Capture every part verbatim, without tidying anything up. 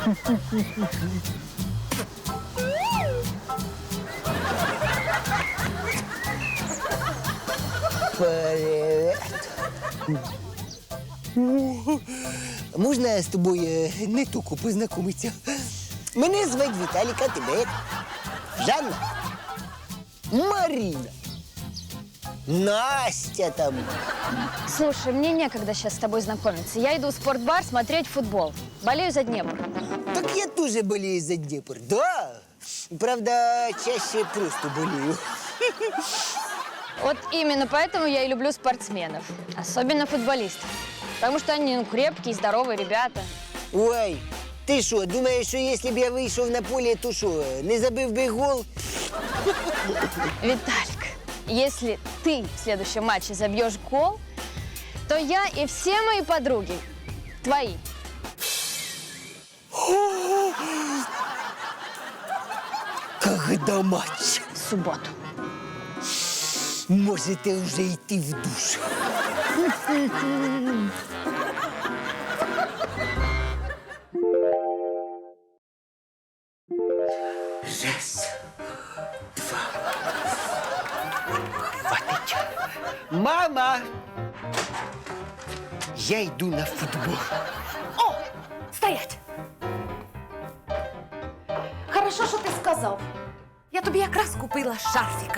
Привет. Можна з тобою не тільки познайомитися? Мене звати Віталік, а тебе як? Жанна? Марина? Настя там? Слушай, мне некогда сейчас с тобой знакомиться. Я иду в спортбар смотреть футбол. Болею за Днепр. Так я тоже болею за Днепр, да. Правда, чаще просто болею. Вот именно поэтому я и люблю спортсменов. Особенно футболистов. Потому что они ну, крепкие, здоровые ребята. Ой, ти що, думаєш, що якщо б я вийшов на поле, то що, не забив би гол? Виталик, если ты в следующем матче забьешь гол, то я и все мои подруги твои. Когда матч? В субботу. Можете вже йти в душ. Раз, два. Хватить. Мама! Я йду на футбол. О, стоять! Хорошо, що ти сказав. Я тобі якраз купила шарфіка.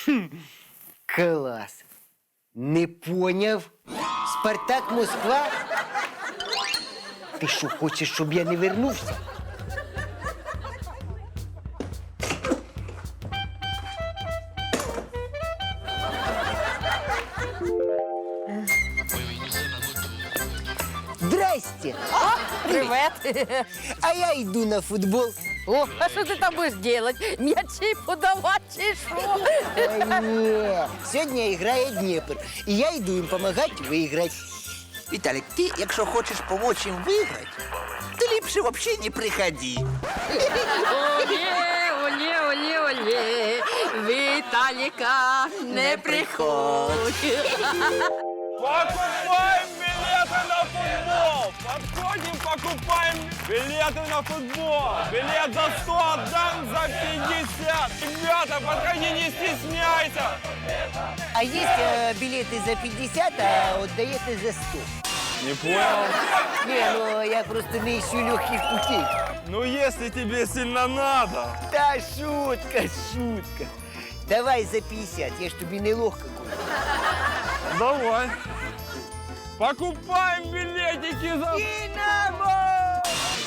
Клас. Не поняв? Спартак Москва? Ти що, хочеш, щоб я не вернувся? Здрасте. Привет. А я йду на футбол. О, а що ти там будеш робити? М'ячі подавати чи що? Ой, ні. Сьогодні грає Дніпр. І я йду їм допомагати виграти. Виталик, ты, якщо хочеш помочь им выиграть, ты ліпше вообще не приходи. Олє, олє, олє, олє, Віталіка, не приходь. Покупаем билеты на футбол! Подходим, покупаем билеты на футбол! Билет за сто отдам за пятьдесят! Ребята, подходи, не стесняйся! А є е, білети за п'ятдесят, а віддаєте за сто. Не понял? Не, ну я просто не ищу легких путей. Ну, если тебе сильно надо. Та шутка, шутка. Давай за п'ятдесят, я ж тобі не легко куплю. Давай. Покупаем билетики за... Динамо!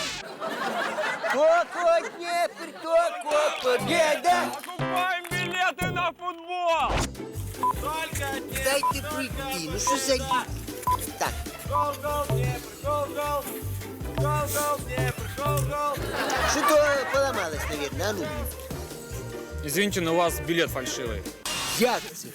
Коко, Днепр, Коко, победа! Покупаем билеты на футбол! Только не... Дайте пройти, ну що за... Так, Гол, гол, Днепр, гол, гол! Гол, гол, Днепр, гол, гол! что-то поломалось, наверное, а ну. Извините, но у вас билет фальшивый. Як це?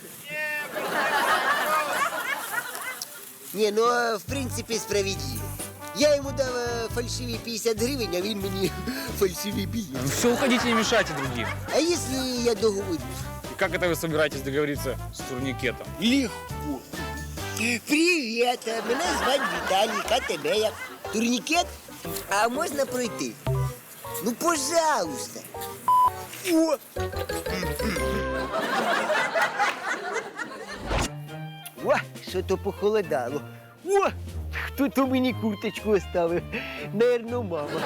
Не, ну, а, в принципе, справедливо. Я ему дал э, фальшивые пятьдесят гривен, а він мені фальшивый билет. Ну все, уходите, не мешайте другим. А если я договорюсь? И как это вы собираетесь договориться с турникетом? Легко. Привет, мене звати Віталік, а тебе як? Турнікет? А можна пройти? Ну, пожалуйста. О! О, що-то похолодало. О, хто-то мені курточку оставив. Наверно, мама.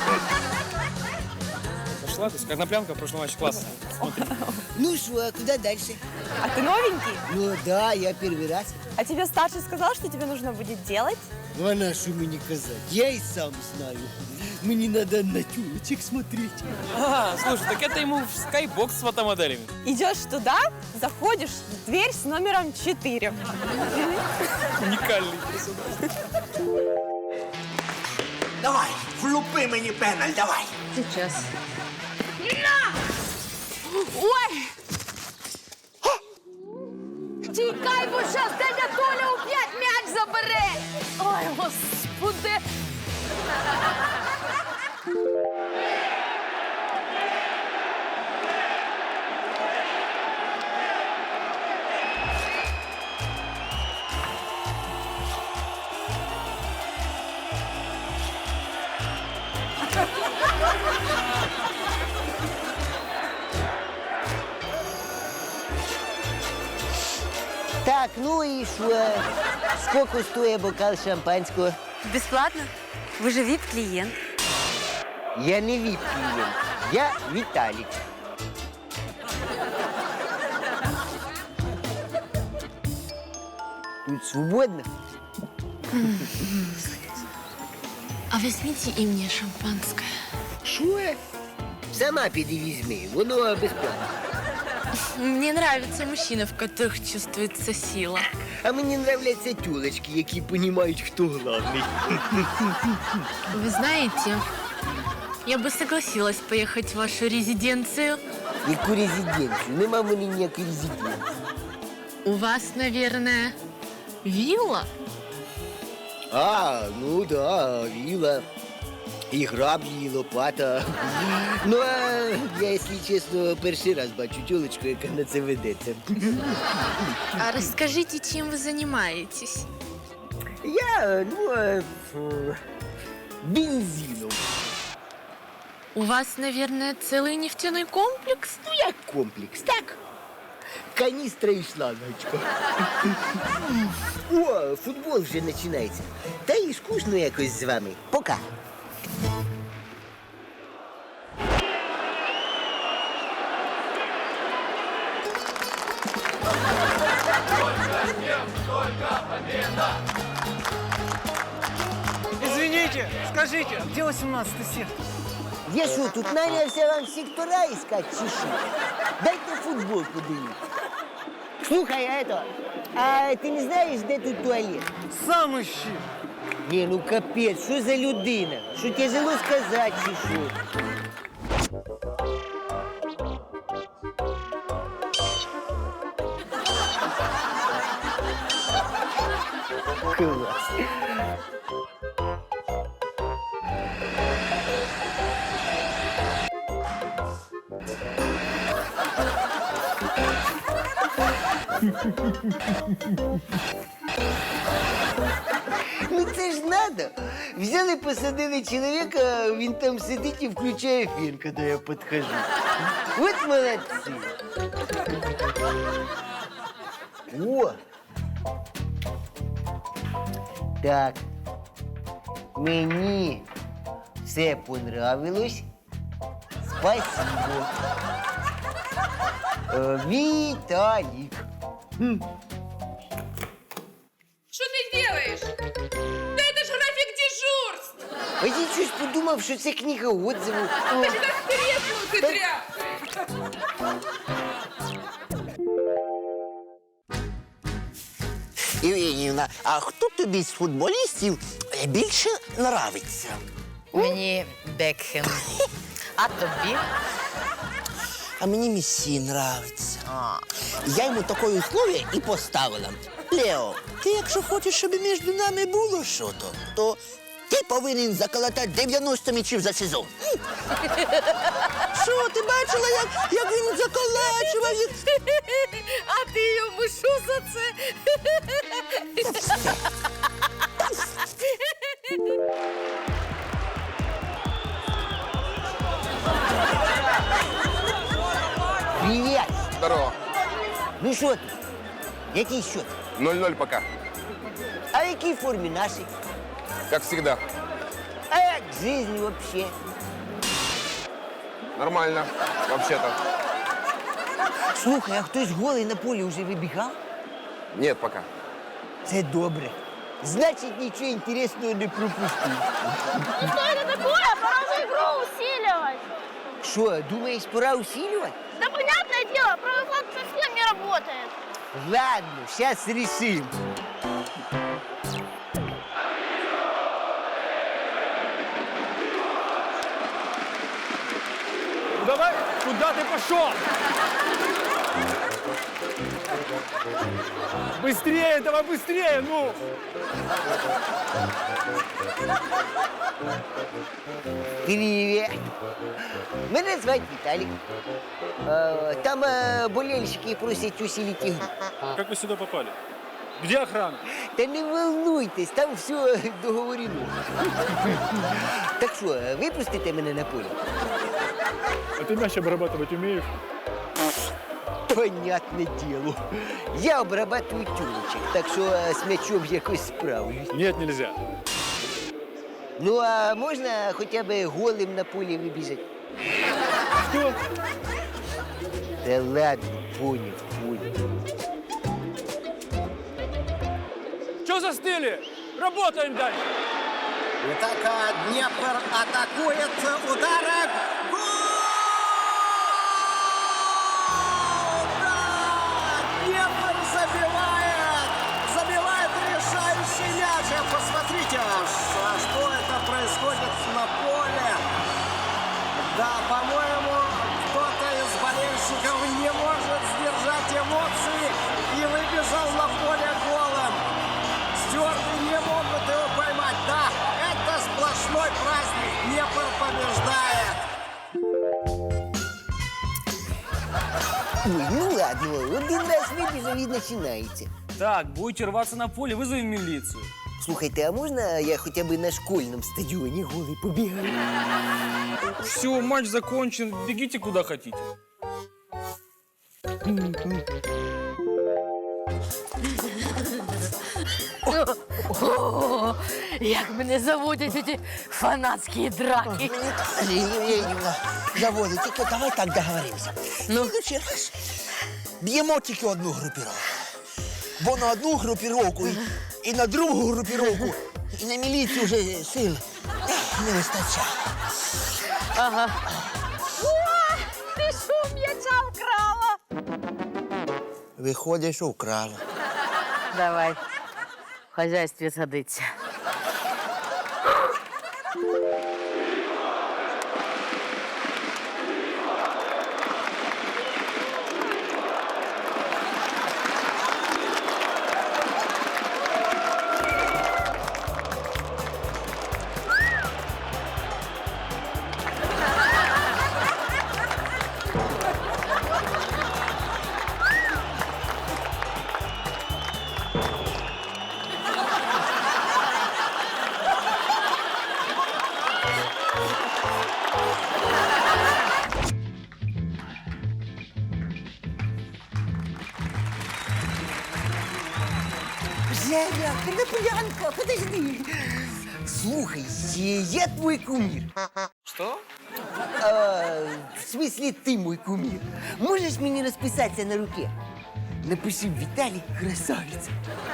Пошла, то есть коноплянка в прошлом матче класса. Ну що, а куди далі? А ты новенький? Ну да, я перший раз. А тебе старший сказал, что тебе нужно будет делать? Ну, а на що мені казати? Я і сам знаю. Мені треба на тюлечек смотреть. А, слушай, так это ему в скайбокс с фотомоделями. Идешь туда, заходишь в дверь с номером четыре. Уникальный персонаж. Давай, влупи мені пеналь, давай. Сейчас. Ой! Тікай, бо щас дядя Толя опять м'яч забере! Ой, господи! Так, ну и что? Сколько стоит бокал шампанского? Бесплатно? Вы же вип-клиент. Я не вип-клиент, я Виталик. Тут свободно? А возьмите и мне шампанское. Що? Сама піди візьми, воно безплатно. Мне нравятся мужчины, в которых чувствуется сила. А мені нравляться тюлечки, які розуміють, хто главний. Вы знаете, я бы согласилась поехать в вашу резиденцию. Яку резиденцію? Нема в мене ніякої резиденції. У вас, наверное, вилла? А, ну да, віла. І граблі, і лопата. Ну, а я, якщо чесно, перший раз бачу тюлечку, яка на це ведеться. А расскажите, чем вы занимаетесь? Я, ну, е, ф- бензином. У вас, наверное, целый нефтяной комплекс? Ну, як комплекс, так? Каністра і шлангочка. О, футбол вже починається. Та і скучно якось з вами. Пока. Извините, скажите, где восемнадцатый сектор? Я що, тут нанявся вам сектора искать, чи що? Дайте футбол подивитися. Слухай, а это, а ти не знаєш, де тут туалет? Сам ищи. Ні, ну капець, що за людина? Що тяжело сказати, чи що? Клас. Ну це ж надо. Взяли, посадили чоловіка, він там сидить і включає фен, коли я підхожу. От молодці. О! Так. Мені все понравилось. Спасибо. Е, Віталік. Хм. Что ты делаешь? Да это же график дежурств! А я щось подумав, що це книга отзивів. О, Ты как треснул, ты тряпка! Євгенівна, а хто тобі з футболістів більше нравиться? Мені Бекхем. А тобі? А мені Месі нравиться. Я йому таке условие і поставила. Лео, ти якщо хочеш, щоб між нами було що-то, то ти повинен заколотати дев'яносто м'ячів за сезон. Що, ти бачила, як, як він заколачував їх? А ти йому що за це? Привіт! Здорово. Ну що ти? Який счет? ноль-ноль пока. А в якій формі наші? Как всегда. А як жизнь вообще? Нормально, вообще-то. Слухай, а хтось голий на полі вже вибігав? Нет пока. Це добре. Значить, нічого інтересного не пропустив. Что это такое? Пора же игру усиливать. Що, думаєш, пора усилювати? Да понятное дело, правый флаг совсем не работает. Ладно, сейчас решим. Давай, куда ты пошел? Быстрее, давай быстрее, ну! Привет. Мене звати Віталік. Е, Там е, болельщики просять усилить игру. Как вы сюда попали? Где охрана? Та не волнуйтесь, там все договорено. Так що, випустите мене на поле? А ты мяч обрабатывать умеешь? Понятне діло. Я обрабатую тюлечек, так що е, з м'ячом якось справлюсь. Нет, нельзя. Ну, а можна хоча б голим на полі вибіжати? Что? Та ладно, поняв, поняв. Че застыли? Работаем дальше. Итак, Днепр атакует ударом. Гол! Да! Днепр забивает! Забивает решающий мяч. Посмотрите, ш- что это происходит на поле. Да, по-моему, кто-то из болельщиков не может сдержать эмоции и выбежал на поле голом. Стюарты не могут его поймать. Да, это сплошной праздник. Днепр побеждает. Ой, ну ладно, один раз вибіжав і починається. Так, будете рваться на поле, вызови милицию. Слухайте, а можна я хоча б на школьному стадіоні голий побігаю? Все, матч закончен, бегите куда хотите. О, як мене заводять ці фанатські драки. Євгенівна, заводить, тільки давай так договоримося. Ну, ще раз. Б'ємо тільки одну групіровку. Бо на одну групіровку і, і на другу групіровку, і на міліцію вже сил ех, не вистачає. Ага. О, ти що м'яча вкрала? Виходить, що вкрала. Давай, в хазяйстві садиться. Женя, Коноплянка, подожди. Слухай, я твой кумир. Что? А, в смысле, ты мой кумир. Можешь мне расписаться на руке? Напиши Виталик красавица.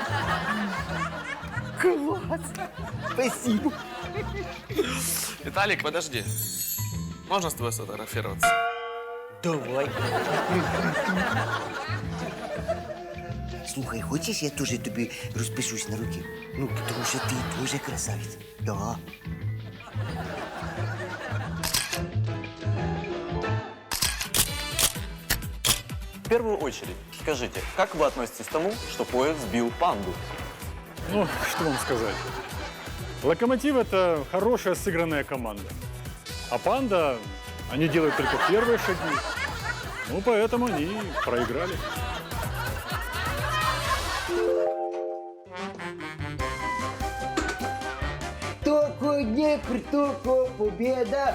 Класс. Спасибо. Виталик, подожди. Можно с тобой сфотографироваться? Давай. Слухай, хочешь, я тоже тебе распишусь на руке? Ну, потому что ты тоже красавица. Да. В первую очередь, скажите, как вы относитесь к тому, что поезд сбил панду? Ну, что вам сказать. Локомотив – это хорошая сыгранная команда. А Панда, они делают только первые шаги. Ну, поэтому они проиграли. Только Днепр, только победа.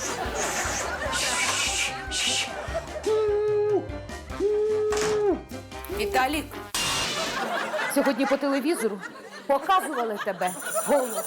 Віталік, сьогодні по телевізору показували тебе голого.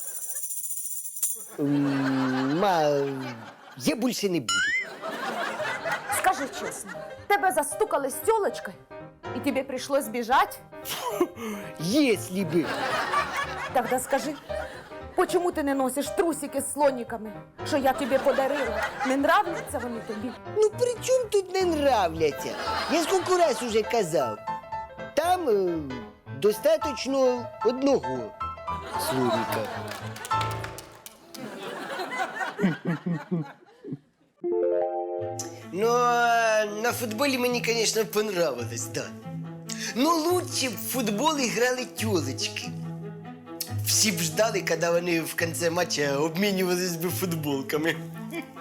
М, Ма, я больше не буду. Скажи чесно, тебе застукали з тёлочкой, і тобі прийшлось біжать? Если бы. Тогда скажи, почему ти не носиш трусики з слоніками, що я тобі подарила? Не нравляться вони тобі? Ну при чому тут не нравляться? Я скільки раз уже казав. Там е, достаточно одного слоника. Ну, а на футболі мені, звісно, понравилось, да. Ну, лучше б в футбол грали тёлочки. Всі б ждали, коли вони в кінці матчу обмінювались би футболками.